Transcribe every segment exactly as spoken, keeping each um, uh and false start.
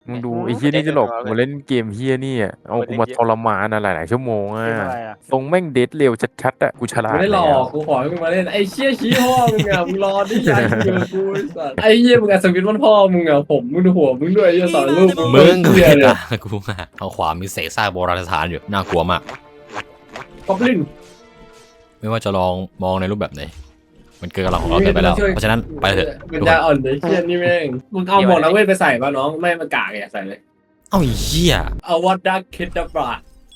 มึงดูไอ้เฮียนี่จะหลบมาเล่นเกมเฮียนี่อ่ะเอากูมาทรมานอะไรหลายชั่วโมงอ่ะตรงแม่งเดทเร็วชัดๆอ่ะกูฉลาดไม่ได้หลอกกูขอให้มึงมาเล่นไอ้เชี่ยชี้พ่อมึงอ่ะมึงรอที่ยายเจอกูไอ้สัสไอ้เหี้ยมึงอัศวินวันพ่อมึงอ่ะผมมึงดูหัวมึงด้วยไอ้สอนลูกมึงกูเหี้ยไม่เลยตากูอ่ะทางขวามีเศษซากโบราณสถานอยู่น่ากลัวมากก๊อบลินไม่ว่าจะลองมองในรูปแบบไหนมันเกินกำลังของเราเกินไปแล้วเพราะฉะนั้นไปเถอะมันจะอ่อนไอ้เชี่ยนี่แม่งมึงเอาหมดแล้วเว้ยไปใส่ป่ะน้องไม่มันกากอย่าใส่เลยเอ้าไอ้เหี้ยเอาวัดดักคิดดับรา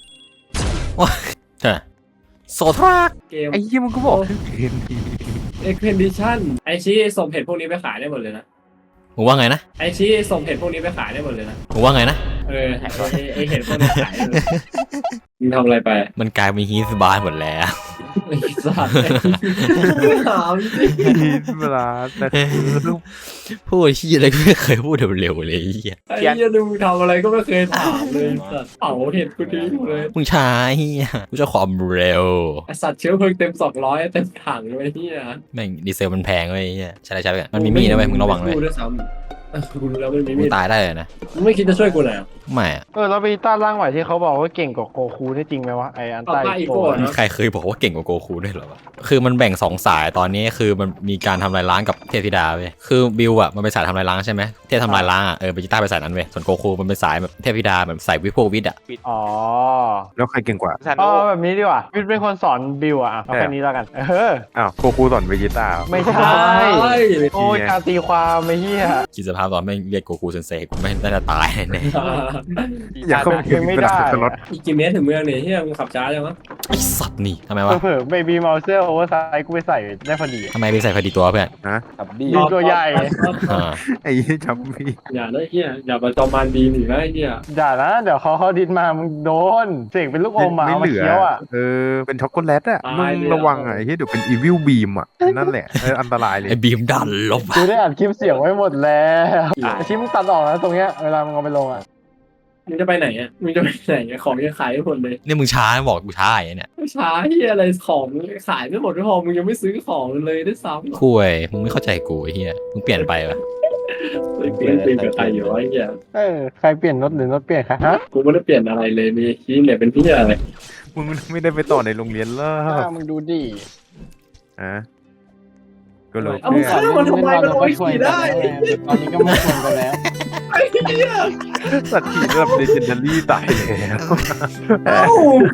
ใช่โซทรักเกมไอ้เฮียมึงก็บอกเกมดีเอ็กเพนดิชั่นไอชี้ส่งเพจพวกนี้ไปขายได้หมดเลยนะมึงว่าไงนะไอชี้ส่งเพจพวกนี้ไปขายได้หมดเลยนะมึงว่าไงนะเออไอเห็นพวกนี้ขายเลยมึงทำอะไรไปมันกลายเป็นฮีสบาร์หมดแล้วไอ้สัสถามสิเวลาแต่คือพูดที่อะไรก็ไม่เคยพูดเร็วๆเลยไอ้เหี้ยไอ้เหี้ยดูมึงทำอะไรก็ไม่เคยถามเลยสัสเผาเห็ดกูทิ้งเลยมึงช้าเหี้ยกูจะความเร็วไอสัตว์เชื้อเพลิงเต็มสองร้อยเต็มถังเลยเฮียแม่งดีเซลมันแพงเว้ยไอ้เหี้ยใช่ใช่กันมันมีมีดนะเว้ยมึงระวังเลยกูด้วยซ้ำเออกูรู้แล้วมันมีมึมีงดตายได้เลยนะมึงไม่คิดจะช่วยกูหน่อยเหรอไม่อะเออแล้วเบต้าร่างใหม่ที่เขาบอกว่าเก่งกว่าโกคูนี่จริงไหมวะไออันเอาใต้ป้าอีโกโก้ะเนอะใครเคยบอกว่าเก่งกว่าโกคูด้วยเหรอวะคือมันแบ่งสองสายตอนนี้คือมันมีการทำลายล้างกับเทพธิดาเว้ยคือบิวอะมันเป็นสายทำลายล้างใช่ไหมเทพทำลายล้างอะเออเบจิต้าไปสายนั้นเว้ยส่วนโกคูมันเป็นสายแบบเทพธิดาแบบสายวิพวกวิทย์อะอ๋อแล้วใครเก่งกว่าอ๋อแบบนี้ดีกว่าวิทย์เป็นคนสอนบิวอ่ะเอาแค่นี้แล้วกันเอออ้าวโกคูสอนเวจิต้าไม่ใช่ โอ้ยการตีความไม่เฮียคิดสภาพตอนไม่เรียกโกคูเซนเซกูไม่น่าจะตายแน่อย่าเข้าไปยังไม่ได้สล็อตอีกกี่เมตรถึงเมืองเนี่ยเฮียมึงขับช้าจังวะไอ้สัตว์นี่ทำไมวะเผื่อเบบี้เมาเซอร์โอเวอร์ไซส์กูไปใส่ได้พอดีทำไมไปใส่พอดีตัวเพื่อนนะกับดีตัวใหญ่อ่าไอ้เหี้ยจับพี่อย่าได้เฮียอย่ามาจอมมานดีหนีนะไอ้เฮียอย่านะเดี๋ยวเขาเขาดินมามึงโดนเสกเป็นลูกอมมาไม่เอาเหมาลือเคี้ยวอ่ะเออเป็นช็อกโกแลตอ่ะมึงระวังอ่ะไอ้เหี้ยเดี๋ยวเป็นอีวิลบีมอ่ะนั่นแหละเอออันตรายเลยไอ้บีมดันลบกูได้อัดคลิปเสียงไว้หมดแล้วไอชิ้นมึงตัดออกนะตรงเนี้ยเวลามึงเอาไปลงอ่ะมึงจะไปไหนอ่ะมึงจะไปไหนอะของยังขายไม่หมดเลยนี่มึงช้าบอกกูช้าอย่างเนี้ยช้าเฮียอะไรของขายไม่หมดไม่พอมึงยังไม่ซื้อของเลยด้วยซ้ำคุยมึงไม่เข้าใจกูไอ้เหี้ยมึงเปลี่ยนไปปะเปลี่ยนเปลี่ยนกับใครอยู่วะไอ้เฮียเออใครเปลี่ยนรถหรือรถเปลี่ยนคะฮะกูไม่ได้เปลี่ยนอะไรเลยมีขี้เนี่ยเป็นพี่อะไรมึงไม่ได้ไปต่อในโรงเรียนแล้วอ่ามึงดูดิอ่ะก็เลยเอามึงฆ่ามันทำไมมันเอาไว้ขี่ได้ตอนนี้ก็ไม่ควรกันแล้วไอ้เหี้ยสัตว์ขี่ระดับเลเจนดารี่ตายแล้วเอ้า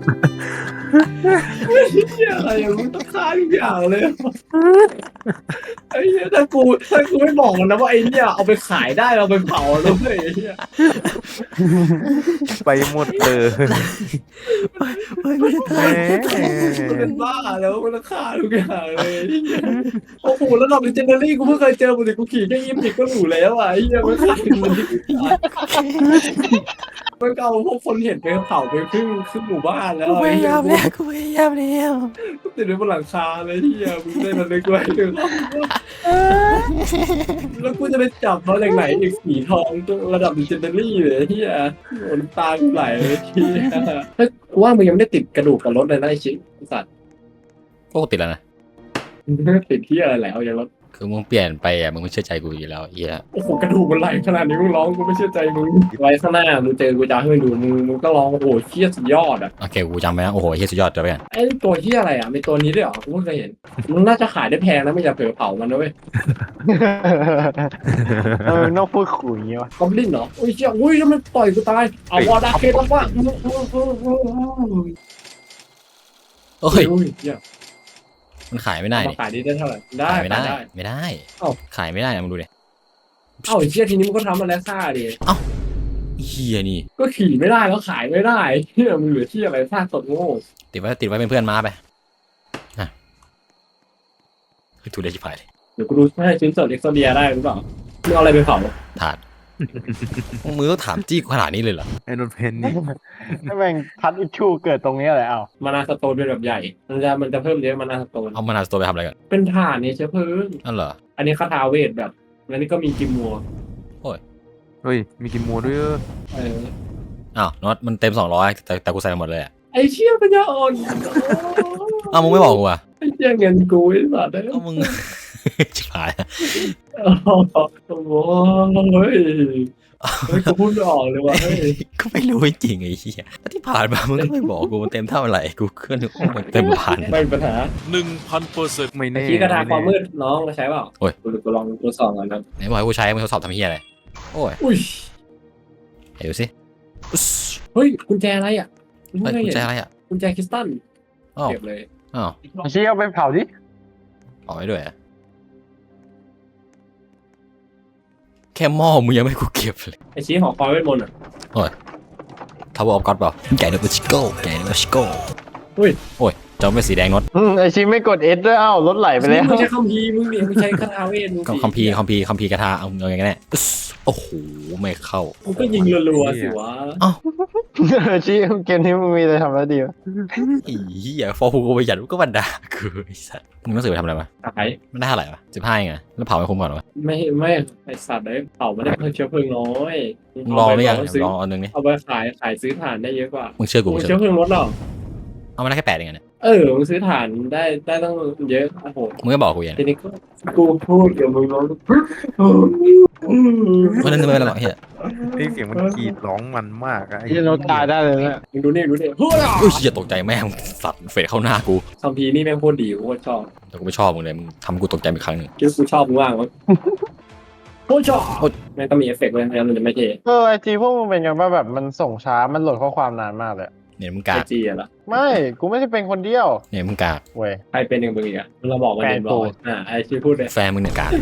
ไอ้เหี้ยอะไรอะมึงต้องฆ่าทุกอย่างเลยไอ้เหี้ยถ้ากูถ้ากูไม่บอกมันนะว่าไอ้เนี่ยเอาไปขายได้เราไปเผาแล้วเว้ยไอ้เหี้ยไปหมดเลยแหมมันเป็นบ้าแล้วมันต้องฆ่าทุกอย่างเลยไอ้เหี้ยโอ้โหแล้วเราเป็นเจเนอรี่กูเพิ่งเคยเจอบุหรี่กูขี่แค่ยี่สิบก็หรูแล้วอ่ะไอ้เหี้ยมันฆ่ามันที่มันก็เอาพวกคนเห็นไปเผาไปครึ่งครึ่งหมู่บ้านแล้วกูพไอ้ยาเหี้ยามแล้วกูพยายามแล้วติดไว้บนหลังคาเลยที่อ่ะมึงได้มันเลยกล้วยถึงแล้วกูจะไปจับเขาจากไหนอีกสีทองระดับดิจิตอลี่เลยที่อ่ะโดนตากูไหลเลยที่เฮ้ยกูว่ามึงยังไม่ได้ติดกระดูกกับรถเลยนะไอ้ชิสัตว์โอ้ติดแล้วนะติดที่อะไรแล้วอย่างรถคือมึงเปลี่ยนไปอ่ะมึงไม่เชื่อใจกูอยู่แล้วไอ้เหี้ยโอ้โหกระดูกมันไหลขนาดนี้มึงร้องกูไม่เชื่อใจมึงไว้ข้างหน้ามึงเจอกูจะให้มึงดูมึงมึงก็ร้องโอ้โหเชี่ยสุดยอดอ่ะโอเคกูจำไว้นะโอ้โหเฮียสุดยอดเลยเพื่อนไอ้ตัวเชี่ยอะไรอ่ะมีตัวนี้ด้วยเหรอกูเพิ่งเคยเห็นมึงน่าจะขายได้แพงนะไม่อย่าเผลอเผามันนะเว้ยเออนอกพูดขุยอย่างเงี้ยวะกอบลินเหรออุ้ยเชี่ยอุ้ยแล้วมันต่อยกูตายเอาวอร์ดาเคต้องว่าโอ้ยอุ้ยเชี่ยมันขายไม่ได้มานี่ขายได้เท่าไหร่ได้ขายไม่ได้ได้ไม่ได้เอ้าขายไม่ได้นะมึงดูดิเอ้าไอ้เชี่ยทีนี้มันก็ทำมาแล้วซ่าดิเฮียนี่ก็ขี่ไม่ได้แล้วขายไม่ได้เชี่ยมึงเหลือที่อะไรซ่าสดโง่ติดไว้ติดไว้เป็นเพื่อนม้าไปอ่ะคือถูกเลยชิบหายเลยเดี๋ยวกูดูให้ชิ้นส่วนเอ็กโซเดียได้หรือเปล่ามึงเอาอะไรไปเผาถาดมือต้องถามจี้กูขนาดนี้เลยเหรอไอ้นนเพนนี่ถ้าแม่งทัดอิชชูเกิดตรงนี้อะไรเอ้ามานาสโตนเป็นแบบใหญ่มันจะมันจะเพิ่มเยอะมานาสโตนเอามานาสโตไปทำอะไรกันเป็นฐานเนี่ยเชื้อเพลิงนั่นเหรออันนี้คาถาเวทแบบแล้วนี่ก็มีกิมมัวเฮ้ยมีกินมัวด้วยเออเอออ้าวน็อตมันเต็มสองร้อยแต่แต่กูใส่หมดเลยอ่ะไอ้เชี่ยปัญญาอ่อนอ้าวมึงไม่บอกกูอ่ะไอ้เชี่ยเงินกูไอ้สัตว์อ้าวมึง ชิบหายโอ้โหเฮ้ยกูพูดไม่ออกเลยว่ะเฮ้ยก็ไม่รู้จริงไอ้เหี้ยที่ผ่านมามึงก็ไม่บอกกูมันเต็มเท่าไหร่กูก็นึกว่ามันเต็มพันไม่มีปัญหาหนึ่งพันเปอร์เซ็นต์ไม่ไอ้แน่ชี้กระดาษความมืดน้องเราใช้เปล่าโอ้ยกูกูลองทดสอบก่อนนะไหนบอกให้กูใช้มึงทดสอบทำเหี้ยอะไรโอ้ยอุ้ยไหนดูสิอุ๊สเฮ้ยกุญแจอะไรอ่ะเฮ้ยกุญแจอะไรอ่ะกุญแจคริสตัลอ้าวเก็บเลยอ้าวไอ้ชี้เอาไปเผาดิเอาไว้ด้วยอะแค่หม้อมึงยังไม่ให้กูเก็บเลยไอ้ชี้หอคอยเวทมนต์อ่ะทาวเวอร์ออฟก็อดเปล่าแกนเดอร์ชิโก้แกนเดอร์ชิโก้อุ้ยโอ้ยจอมเป็นสีแดงนดอืมไอชี้ไม่กดเอสด้วยเอ้ารถไหลไปแล้วมึงใช้คัมภีร์มึงเนี่ยมึงใช้คาถาเวทมึงคัมภีร์คัมภีร์คัมภีร์กระทาเอาเอาอย่างไงแน่อุ๊สโอ้โหไม่เข้ามึงก็ยิงรัวๆสิวะชี้เกมนี้มึงมีอะไรทำแล้วดีวะไอ้เหี้ยฟอร์ฮูกูไปหยัดก็บันดากูไอ้สัตว์มึงต้องสื่อไปทำอะไรมาตายมันได้เท่าไหร่วะสิบห้าไงแล้วเผาไม่คุ้มก่อนวะไม่ไม่ไอสัตว์ได้เผาไม่ได้เพิ่มเชื้อเพลิงน้อยมึงลองหรือยังเาปซื้อลองเอาหนึ่งนี่เอาไปขายขายซื้อถ่านได้เยอะกว่ามึงเชื่อกูมึมึงงเชื้เชื่ออเพลิงลดหรอเอามาได้แค่แปดเองอะเนี่ยเออมึงซื้อถ่านได้ได้ต้องเยอะโอ้โหมึงก็บอกกูอย่างทีนี้ก็กูพูดเดี๋ยวมึงร้องเพราะนั้นไม่เป็นไรหรอกเฮียไอ้เสียงมันกรีดร้องมันมากอะไอ้ที่เราตายได้เลยเนี่ยมึงดูนี่ดูนี่เฮ้ยอุ้ยเหี้ยตกใจแม่งสัตว์เฟดเข้าหน้ากูคัมภีร์นี่แม่งโคตรดีกูโคตรชอบแต่กูไม่ชอบมึงเลยมึงทำกูตกใจอีกครั้งหนึ่งคิดว่ากูชอบมึงว่างมั้งโคตรชอบโอ๊ยแม่งต้องมีเอฟเฟกต์เลยไม่งั้นมันจะไม่เท่เออไอจีพวกมึงเป็นกันว่าแบบมันส่งช้ามันโหลดข้อความนานมากเลยเนี่ยมึงไอกากจีอะล่ะไม่กูไม่ได้เป็นคนเดียวเนี่ยมึงกากเว้ยใครเป็นหนึ่งมึงอีกอะเราบอกกันเรียบร้อยอ่าไอชีพูดเลยแฟนมึงเนี่ยกาก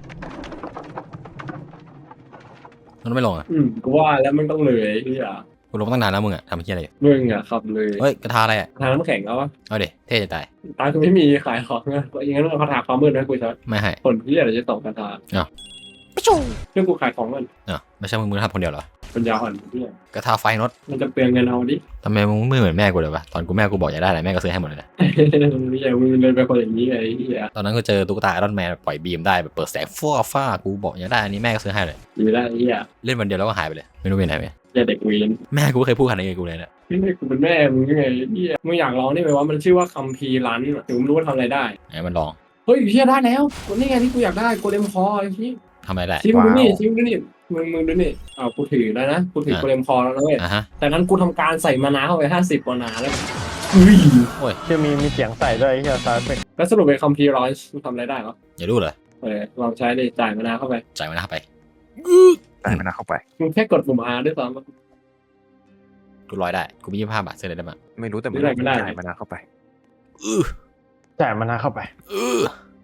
มันไม่ลงอ่ะอืมกูว่าแล้วมึงต้องเลยที่อ่ะกูลงตั้งนานแล้วมึงอ่ะทำเฮียอะไรอยู่มึงอ่ะขับเลยเฮ้ยกระทาอะไรอ่ะทางน้ำแข็งเอาวะเอาเด็เท่จะตายตาคือไม่มีขายของนะอย่างนั้นมึงเอาคาถาความมืดนะกูจะไม่ให้ผลที่อะไรจะตอบคาถาอ้าวเพื่อกูขายของมันเนาะไม่ใช่มึงมึงทำคนเดียวเหรอปัญญาอ่อนเนี่ยกระทาไฟนดมันจะเปลืองเงินเอาดิทำไมมึงไม่เหมือนแม่กูเลยวะตอนกูแม่กูบอกอยากได้อะไรแม่ก็ซื้อให้หมดเลยนะไม่ใช่มึงเลยเป็นคนอย่างนี้ไงไอ้เหี้ยตอนนั้นก็เจอตุ๊กตาไอรอนแมนปล่อยบีมได้แบบเปิดแสงฟ้าฟ้ากูบอกอยากได้อันนี้แม่ก็ซื้อให้เลยอยู่ได้ไอ้เหี้ยเล่นวันเดียวแล้วก็หายไปเลยไม่รู้ไปไหนไปอย่าเด็กวีนแม่กูก็เคยพูดขนาดนี้กับกูเลยเนี่ยนี่กูเป็นแม่มึงยังไงไอ้เหี้ยมึงอยากลองนี่ไหมว่ามันชื่อว่าคัมภีร์ลันถึงมึงรู้ว่าทำอะไรได้ไหนมันลองเฮ้ยเหี้ยได้แล้วตัวนี้ไงที่กูอยากได้โกเลมคอไอ้ที่ทำอะไรได้ชิมดูนี่ชิมดูนี่มึงมึงดูนี่อ้าวกูถือแล้วนะกูถือโกเลมคอแล้วนะเว้ยอ่ะฮะแต่นั้นกูทำการใส่มานาเข้าไปห้าสิบมานาแล้วอุ้ยจะมีมีเสียงใส่ด้วยไอ้เหี้ยซาวด์เอฟเฟกต์แล้วสรุปเป็นคัมภีร์ร้อยทำอะไรได้เหรออย่ารู้เลยเออลองใช้ดิจ่ายมานาเข้าไปจ่ายมันนะเข้าไปใส่มันนะเข้าไปมึงแค่กดปุ่ม R ด้วยซ้ำกูร้อยได้กูมียี่สิบห้าบาทซื้ออะไรได้บ้างไม่รู้แต่มันไม่ได้ไม่ได้จ่ายมันนะเข้าไปอื้อจ่ายมันนะเข้าไปอื้อ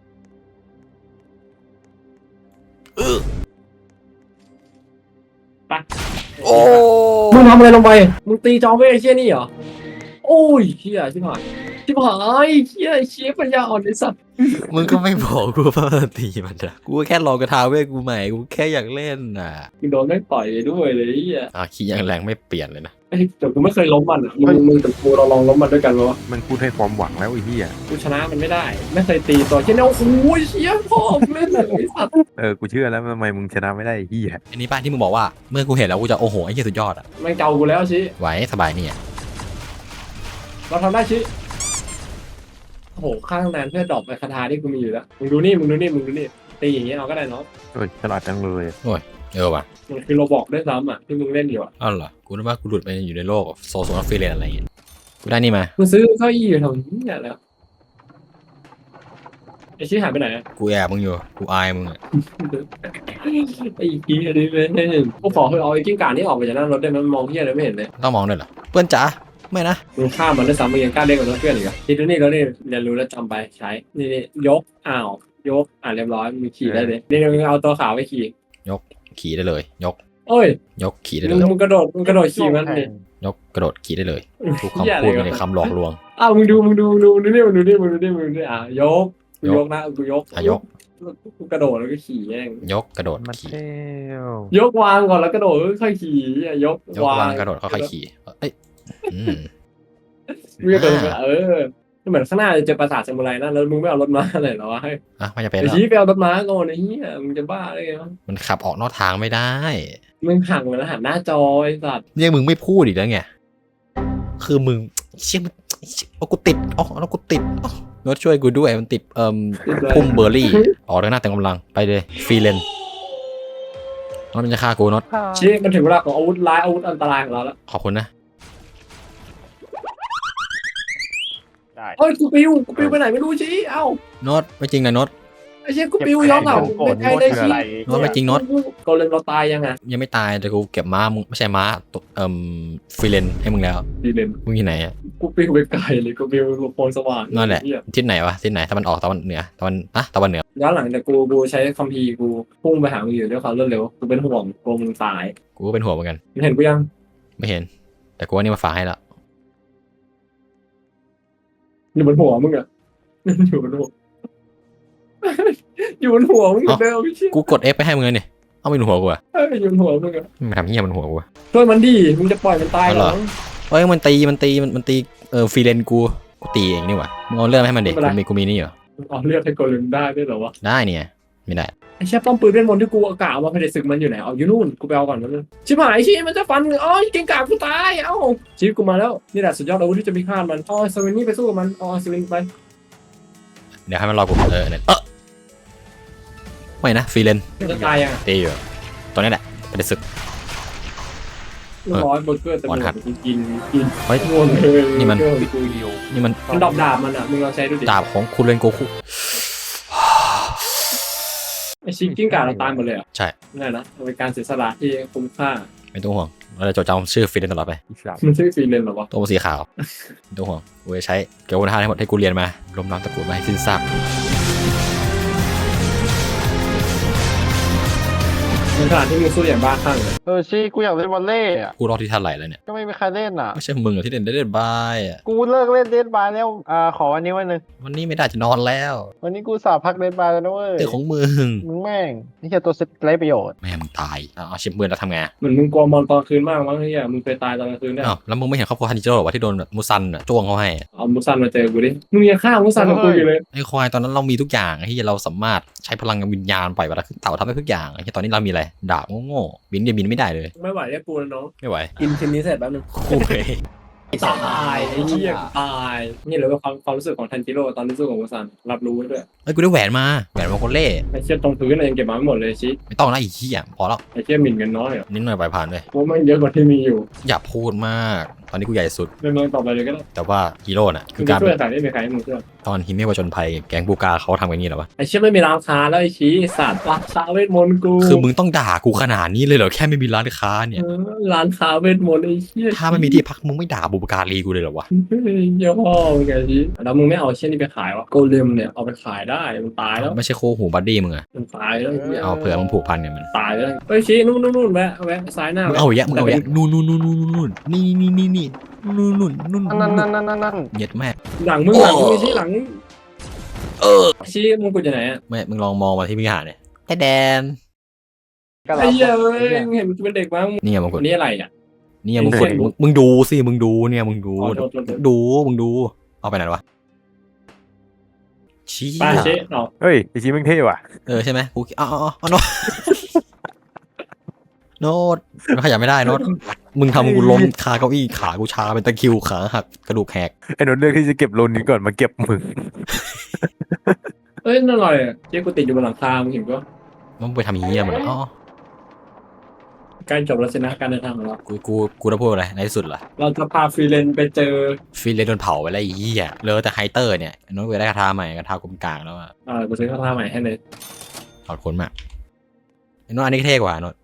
อื้อไปโอ้มึงทำอะไรลงไปมึงตีจอมเวทเชี่ยนี่เหรอโอ้ยเชี่ยชิบหายชิบหายเชี่ยเชี่ยปัญญาอ่อนไอ้สัตว์มึงก็ไม่บอกกูว่ามันตีมันอะกูแค่ลองกระทาเว้ยกูใหม่กูแค่อยากเล่นน่ะมึงโดนไม่งต่อยไปด้วยเลยไอ้เหี้ยอ่ะขี้ยังแรงไม่เปลี่ยนเลยนะไอ้แต่กูไม่เคยล้มมันอะมึงมึงกับกูเราลองล้มมันด้วยกันวะมันพูดให้ความหวังแล้วไอ้เหี้ยกูชนะมันไม่ได้ ไม่เคยตีตัวเชี่ยเนี่ยโอ้โหเชี่ยพ่อมึงเล่นเลยไอ้สัตว์เออกูเชื่อแล้วทำไมมึงชนะไม่ได้ไอ้เหี้ยอันนี้ป้าที่มึงบอกว่าเมื่อกูเห็นแล้วกูจะโอ้โหไอ้เหี้ยสุดยอดอะไม่งเกากูแล้วชิไหวสบายนี่อะเราทำได้ชิโอ้โหข้างนั้นเพื่อดรอปไปคาถาที่กูมีอยู่แล้วมึงดูนี่มึงดูนี่มึงดูนี่ตีอย่างเงี้ยเอาก็ได้เนาะเฮ้ยฉลาดจังเลยเออว่ะมันคือโรบอกด้วยซ้ำอ่ะที่มึงเล่นอยู่อ่ะอ้าวเหรอกูนึกว่ากูหลุดไปอยู่ในโลกโซโซนอฟฟิเลนอะไรอย่างเงี้ยกูได้นี่มามึงซื้อเก้าอี้อยู่แถวนี้เนี่ยแล้วไอ้ชี้หายไปไหนอะกูแอบมึงอยู่กูอายมึงอะไอ้กี้อันนี้เลยกูขอเฮ้ยเอาไอ้กิ้งก่านี่ออกไปจากหน้ารถได้ไหมมันมองที่อะไรไม่เห็นเลยต้องมองด้วยเหรอเพื่อนจ๋าไม่นะมึงข้ามมันด้วยซ้ำมึงยังกล้าเล่นกับเพื่อนอีกอ่ะทีนี้แล้วนี่เรียนรู้แล้วจำไปใช้นี่นี่ยกอ้าวยกอ่าเรียบร้อยมึงขี่ได้เลยนี่มึงเอาตัวขาวไปขี่ขี่ได้เลย ยกเอ้ยยกขี่ได้มึเลงยมึงกระโดดมึงกระโดดขี่มันดิยกกระโดดขี่ได้เลยทุกคำพูดเป็นคำหลอกลวงอ้าวมึงดูมึงดูมึงดูมึงดูนี่มึงดูนี่มึงดูนี่มึงดูนี่อ่ะยกกูยกนะกูยกอ่ะยกกูกระโดดแล้วก็ขี่แย่งยกกระโดดมันขี่เที่ยวยกวางก่อนแล้วกระโดดค่อยขี่อ่ะยกยกวางกระโดดค่อยๆขี่เอ้ยอืมมึงกระโดดเออเหมือนข้างหน้าจะเจอปราสาทซามูไรนะแล้วมึงไม่เอารถม้าอะไรหรอวะให้อ่ะไม่จะเป็นไอ้แล้วชี้ไปเอารถม้าก่อนไอ้เหี้ยมึงจะบ้าได้ไงวะมันขับออกนอกทางไม่ได้มึงหักเหมือนหันหน้าจอไอ้สัตว์เนี่ยมึงไม่พูดอีกแล้วไงคือมึงเชี่ยมันเอากูติดอ๋อแล้วกูติดอ๋อรถช่วยกูด้วยมันติดเอ่อพุ่มเบอร์รี่ออกทางหน้าแต่กำลังไปเลยฟรีเลนน็อตมันจะฆ่ากูน็อตชี้มันถึงเวลาของอาวุธร้ายอาวุธอันตรายของเราแล้วขอบคุณนะได้เฮ้ยกูปิวกูปิวไปไหนไม่รู้ชี้เอ้าน็อตไม่จริงนะน็อตไอ้เชี่ยกูปิวย้อนเก่าไม่ใช่ได้ชี้น็อตไม่จริงน็อตโกเลมเราตายยังไงยังไม่ตายแต่กูเก็บม้ามึงไม่ใช่ม้าตัวเอ่มฟรีเลนให้มึงแล้วดีเลนมึงที่ไหนอะกูปิวไปไกลเลยกูปิวโพลสว่างนั่นแหละทิศไหนวะทิศไหนตะวันออกตะวันเหนือตะวันอะตะวันเหนือย้อนหลังแต่กูกูใช้คัมภีร์กูพุ่งไปหามึงอยู่ด้วยความรวดเร็วกูเป็นห่วงกลัวมึงตายกูก็เป็นห่วงเหมือนกันมึงเห็นกูยังไม่เห็น แต่กูว่านี่มาฝากให้แล้วอยู่บนหัวมึงอะ อยู่บนหัว อยู่บนหัวมึงเหมือนเดิมพี่ชี้กูกด F ไปให้มึงเลยนี่เอาไปหนหัวกูอะเอ้ยอยู่บนหัวมึงอะมันทำเหี้ยมันหัวกูอะช่วยมันดิมึงจะปล่อยมันตายเอาเหเหรรออ เฮ้ยมันตีมันตีมันมันตีเออฟรีเลนกูกูตีเองนี่หว่ามึงเอาเรื่องมาให้มันเด็กกูมีกูมีนี่เหรออ๋อเลือกให้โกเลมได้ด้วยเหรอวะได้เนี่ยไม่ได้ไอ้เชี่ยป้อมปืนเวทมนต์ที่กูเอากะเอามาภายในศึกมันอยู่ไหนเอาอยู่นู่นกูไปเอาก่อนมันงชิบหายชี้มันจะฟันอ๋อเก่งกาจกูตายเอ้าชีวิตกูมาแล้วนี่แหละสุดยอดอาวุธที่จะมีค่ามันอ๋อสวินนี่ไปสู้กับมันอ๋อสวินไปเดี๋ยวให้มันรอกูเออเนี่ยเออไม่นะฟรีเลนมันจะตายยังตีอยู่ตอนนี้แหละไปในศึกร้อยเบอร์เกอร์แต่อ่อนหัดกินกินกินเฮ้ยงวงเลยนี่มันเบอร์เกอร์นี่มันมันดอกดาบมันอ่ะมึงลองใช้ดูดิดาบของคุณเลนโกคุไอชิงกิ้งก่าเราตายหมดเลยอ่ะใช่นั่นนะมันเป็นการเสียสละที่คุ้มค่าไม่ต้องห่วงเราจะจดจำชื่อฟรีเลนตลอดไปอีสัตว์มันชื่อฟรีเลนเหรอวะตัวสีขาวไม่ต้องห่วงกูจะใช้เกี่ยวกับท่าทั้งหมดที่กูเรียนมาลมน้ำตะกรุดมาให้สิ้นซากในขณะที่มึงสู้อย่างบ้าคลั่งเลยเออชีกูอยากเล่นวอลเล่อะกูรอที่ท่าไหลแล้วเนี่ยก็ไม่มีใครเล่นอ่ะไม่ใช่มึงเหรอที่เล่นได้เล่นบายอ่ะกูเลิกเล่นเดดบายแล้วอ่าขอวันนี้วันหนึงวันนี้ไม่ได้จะนอนแล้ววันนี้กูสาพักเดดบายแล้วนะเว้ยเรื่องของมึงมึงแม่งนี่แค่ตัวเซ็ตไร้ประโยชน์แม่มึงตายเอาเอาชิปเบือนแล้วทำไงเหมือนมึงกลัวมอนตอนคืนมากมั้งเฮียมึงเคยตายตอนกลางคืนเนี่ยอ้าวแล้วมึงไม่เห็นครอบครัวฮันจิโร่หรอวะที่โดนแบบมูซันอ่ะจ้วงเขาให้อะเอามุซันมาเจอกูดิมึงยังฆ่ามุซันกับกูอยู่เลยไอ้ควายตอนนั้นเรามีทุกอย่างที่เราสามารถใช้พลังวิญญาณปล่อยเวลาขึ้นเต่าทำได้ทุกอย่างไอ้ที่ตอนนี้เรามีอะไรดาบโง่ๆบินเดียวบินไม่ได้เลยไม่ไหวแล้วกูแล้วน้องไม่ไหวกินชิ้นนี้เสร็จแป๊บนึงโอ้ยตายไอ้เหี้ยตายนี่เลยว่าความความรู้สึกของทันจิโร่ตอนที่สู้กับมุซันรับรู้ไว้ด้วยเอ้ยกูได้แหวนมาแหวนมาโคเล่ไอ้เชี่ยตรงพื้นอะไรยังเก็บมาไม่หมดเลยชิไม่ต้องนะไอ้เหี้ยพอแล้วไอ้เชี่ยหมิ่นกันน้อยเหรอนิดหน่อยปล่อยผ่านเลยกูว่ามันเยอะกว่าที่มีอยู่อย่าพูดมาก ตอนนี้กูใหญ่สุดเรื่องต่อไปเลยก็ได้แต่ว่าฮีโร่น่ะมึคืองจะการช่วยใครไม่มีใครให้มึงช่วยตอนฮิเมะวจนภัยแก๊งบูกาเขาทำกันอย่างนี้เหรอวะไอ้เชี่ยไม่มีร้านค้าแล้วไอ้ชี้สัตว์ร้านค้าเวทมนต์กูคือมึงต้องด่ากูขนาดนี้เลยเหรอแค่ไม่มีร้านค้าเนี่ยเออร้านค้าเวทมนต์ไอ้เชี่ยถ้าไม่มีที่พักมึงไม่ด่าบุปการีกูเลยเหรอวะเฮ้ยเยี่ยพ่อมึงไงชี้แล้วมึงไม่เอาเชี่ยนี่ไปขายวะโกเลมเนี่ยเอาไปขายได้มันตายแล้วไม่ใช่โคหูบัดดี้มึงอะมันตายแล้วไอ้เหี้ยเอาเผื่อมึงผูกพันเนี่ยมันตายแล้วเฮ้ยชี้นู่นนู่นนู่นแวะแวะซ้ายหน้ามึงเอาอย่างเงี้ยมึงเอาอย่างเงี้ยนู่นนู่นนู่นนู่นนู่นนี่นี่นี่นี่นู่นนู่นนู่นนั่นนั่นนั่นนั่นนั่นเหย็ดแม่หลังมึงหลังมึงไอ้ชี้หลังเออชี้มึงกูจะไหนอ่ะแม่มึงลองมองมาที่วิหารเนี่ยไอ้แดนก็รับไอ้เหี้ยเอ้ยมึงเห็นมึงเป็นเด็กมั้งนี่ไงมึงกคดนนี้อะไรอ่ะนี่ไงมึงกดมึงมึงดูสิมึงดูเนี่ยมึงดูอ๋อโทษโทษโทษดูมึงดูเอาไปไหนวะชี้ป้าชี้เนาะเฮ้ยไอชีมึงเท่ว่ะเออใช่ไหมกูอ๋ออ๋ออ๋อโน้ตโน้ตมันขยับไม่ได้โน้ตมึงทำกูล้มคาเก้าอี้ขากูชาเป็นตะคริวขาหักกระดูกแหกไอ้นนท์เลือกที่จะเก็บโลนนี้ก่อนมาเก็บมึงเอ้ยนั่นอะไรอ่ะเจ๊กูติดอยู่บนหลังคามึงเห็นปะมันไปทำอย่างนี้อะมันอ๋อใกล้จบแล้วสินะการเดินทางของเรากูกูกูจะพูดอะไรในที่สุดล่ะเราจะพาฟรีเลนไปเจอฟินเลยโดนเผาไปแล้วไอ้เหี้ยเหลอแต่ไฮเตอร์เนี่ยโน้ตกูได้คาถาใหม่คาถากลมกลางแล้วอะเอ่อกูซื้อข้าวท่าใหม่ให้เลยถอดคนมากไอ้โน้ตอันนี้เท่กว่าโน้ต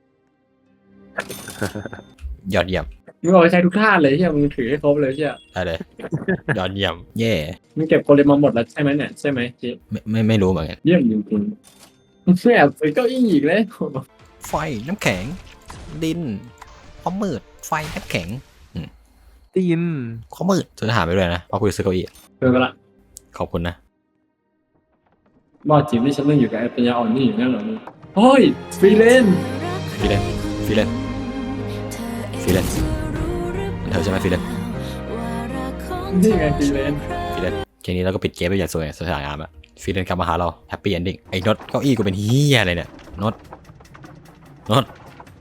ยอดเยี่ยมมึงเอาไปใช้ทุกท่าเลยใช่ไหมมึงถือให้ครบเลยใช่ไหมได้เลยยอดเยี่ยมเย่มึงเก็บโกเลมมาหมดแล้วใช่ไหมเนี่ยใช่ไหมเจ๊ไม่ไม่ไม่รู้เหมือนกันเยี่ยมจริงๆมึงแอบซื้อเก้าอี้อีกเลยไฟน้ำแข็ง ดินความมืดไฟน้ำแข็งตีนความมืดซื้ออาหารไปด้วยนะเพราะกูจะซื้อเก้าอี้เจอกันละขอบคุณนะบอสจิมที่ฉันเล่นอยู่กับไอ้ปัญญาอ่อนนี่อยู่นั่นเหรอมึงเฮ้ยฟรีเลนฟิเลนฟิเลนฟิเลนเธอใช่ไหมฟิเลนนี่ไงฟรีเลนฟิเลนเคนี้เราก็ปิดเกมไปอย่างสวยสวยงามอะฟิเลนกลับมาหาเราแฮปปี้เอนดิ้งไอ้น็อตเก้าอี้กูเป็นเฮียอะไรเนี่ยน็อตน็อต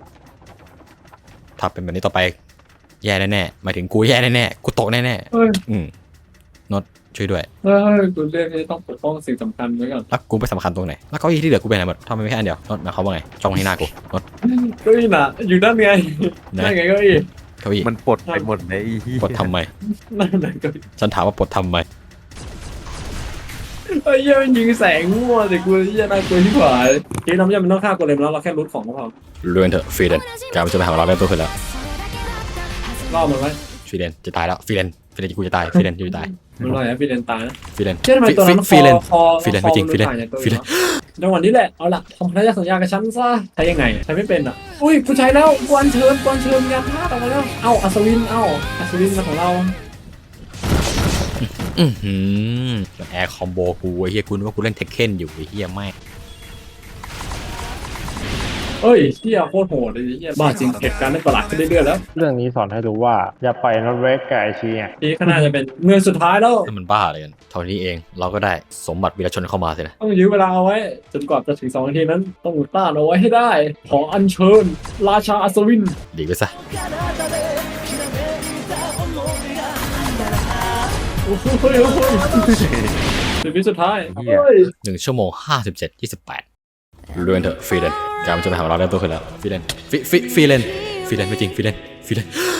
ถ้าเป็นแบบนี้ต่อไปแย่แน่ๆหมายถึงกูแย่แน่ๆกูตกแน่เฮ้ยๆอืมน็อตช่วยด้วยเฮ้ยกูเรียกที่ต้องปกป้องสิ่งสำคัญไว้ก่อนแล้วกูไปสำคัญตรงไหนแล้วเก้าอี้ที่เหลือกูไปไหนหมดทำไมไม่แค่อันเดียวรถมาเขาว่าไงจ้องที่หน้ากูรถเก้าอี้น่ะอยู่ด้านไงนะนั่นไงเก้าอี้เก้าอี้มันปลดไปหมดเลยไอ้เหี้ยปลดทำไมนั่นไงเก้าอี้ฉันถามว่าปลดทำไมไอ้เหี้ยมันยิงแสงมั่วแต่กูเหี้ยน่ากลัวที่ผายทีน้ำยังมันต้องฆ่ากูเลยแล้วเราแค่รูทของก็พอเรือนเถอะฟรีเลนการมันจะไปหาเราได้ตัวขึ้นแล้วล่อมันไว้ฟรีเลนจะตายแล้วฟรีเลนฟรีเลนกูจะตายฟรีเลนกูจะตายมันลอยนะฟีเลนตายนะฟรีเลนเชื่อทำไมตัวนั้นฟรีเลนคอฟรีเลนไม่จริงฟรีเลนฟรีเลนจังหวะนี้แหละเอาล่ะทำพันธสัญญากับฉันซะใช้ยังไงใช้ไม่เป็นอ่ะอุ้ยกูใช้แล้วกวนเชิญกวนเชิญยานพาดออกมาแล้วเอ้าอัศวินเอ้าอัศวินมาของเราอือหือแอร์คอมโบกูไอ้เฮียกูนึกว่ากูเล่นเทคเคนอยู่ไอ้เฮียไม่เอ้ยเที่ยโคตรโหดเลยเที่ยบ้าจริงเหตุการณ์ได้ประหลาดขึ้นเรื่อยๆแล้วเรื่องนี้สอนให้รู้ว่าอย่าปล่อยรถเวกกับไอชีอ่ะนี่ก็น่าจะเป็นเงินสุดท้ายแล้วนี่มันบ้าอะไรกันเท่านี้เองเราก็ได้สมบัติวีรชนเข้ามาสินะต้องยื้อเวลาเอาไว้จนกว่าจะถึงสองนาทีนั้นต้องต้านเอาไว้ให้ได้ ขออัญเชิญ ราชาอัศวินดีไปซะโอ้โหเฮ้ยเฮ้ยชีวิตสุดท้ายเฮ้ยหนึ่งชั่วโมงห้าสิบเจ็ดยี่สิบแปดเรือนเถอะฟรีเลนการมันจะไปหาเราได้ตัวขึ้นแล้วฟรีเลนฟรีฟรีฟรีเลนฟรีเลนไม่จริงฟรีเลนฟรีเลน